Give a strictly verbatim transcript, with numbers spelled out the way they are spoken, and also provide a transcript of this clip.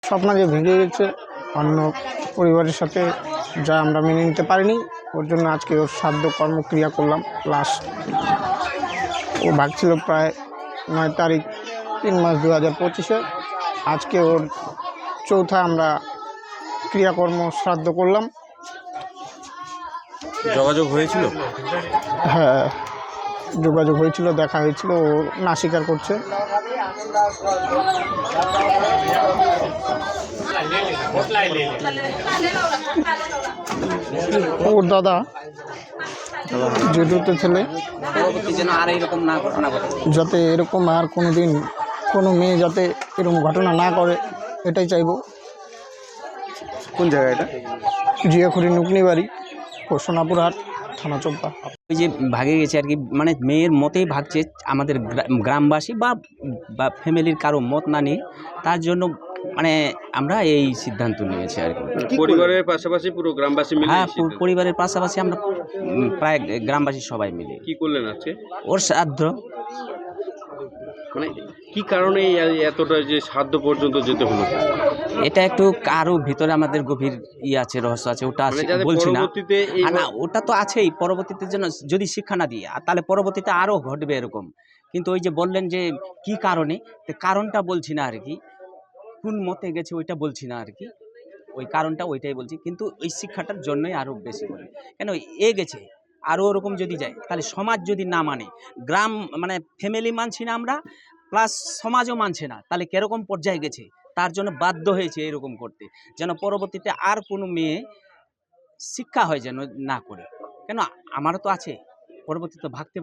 স্বপ্ন যে ভেঙে গেছে অন্য পরিবারের সাথে, যা আমরা মেনে নিতে পারিনি, ওর জন্য আজকে ওর শ্রাদ্ধ কর্মক্রিয়া করলাম। লাস্ট ও ভাগছিল প্রায় নয় তারিখ তিন মাস দু হাজার পঁচিশে আজকে ওর চৌথা আমরা ক্রিয়াকর্ম শ্রাদ্ধ করলাম। যোগাযোগ হয়েছিল? হ্যাঁ, যোগাযোগ হয়েছিল, দেখা হয়েছিল, ও না স্বীকার করছে। ওর দাদা যেটুতে ছেলে, যাতে এরকম আর কোনো দিন কোনো মেয়ে যাতে এরকম ঘটনা না করে, এটাই চাইবো। কোন জায়গা এটা? জিয়াখুরি নুকনি বাড়ি, সোনাপুর হাট, থানা চোপড়া। ওই যে ভাগে গেছে আর কি, মানে মেয়ের মতেই ভাগছে, আমাদের গ্রামবাসী বা বা ফ্যামিলির কারো মত না নিয়ে, তার জন্য মানে আমরা এই সিদ্ধান্ত নিয়েছি আর কি। পরিবারের পাশাপাশি পুরো গ্রামবাসী মিলে? হ্যাঁ, পরিবারের পাশাপাশি আমরা প্রায় গ্রামবাসী সবাই মিলে। কি করলেন আজকে? ওর শ্রাদ্ধ। মানে কি কারণে এতটা যে শ্রাদ্ধ পর্যন্ত যেতে হলো? এটা একটু কারো ভিতরে আমাদের গভীর ই আছে, রহস্য আছে, ওটা বলছি না। না, ওটা তো আছেই, পরবর্তীতে যেন যদি শিক্ষা না দিয়ে, তাহলে পরবর্তীতে আরও ঘটবে এরকম। কিন্তু ওই যে বললেন যে কি কারণে, কারণটা বলছি না আর কি, কোন মতে গেছে ওইটা বলছি না আর কি, ওই কারণটা ওইটাই বলছি। কিন্তু ওই শিক্ষাটার জন্যই আরও বেশি করে, কেন এ গেছে আরও ওরকম যদি যায়, তাহলে সমাজ যদি না মানে, গ্রাম মানে ফ্যামিলি মানছি না আমরা, প্লাস সমাজও মানছে না, তাহলে কীরকম পর্যায়ে গেছে, তার জন্য বাধ্য হয়েছে এরকম করতে, যেন পরবর্তীতে আর কোনো মেয়ে শিক্ষা হয় যেন না করে। কেন আমারও তো আছে, পরবর্তীতে ভাগতে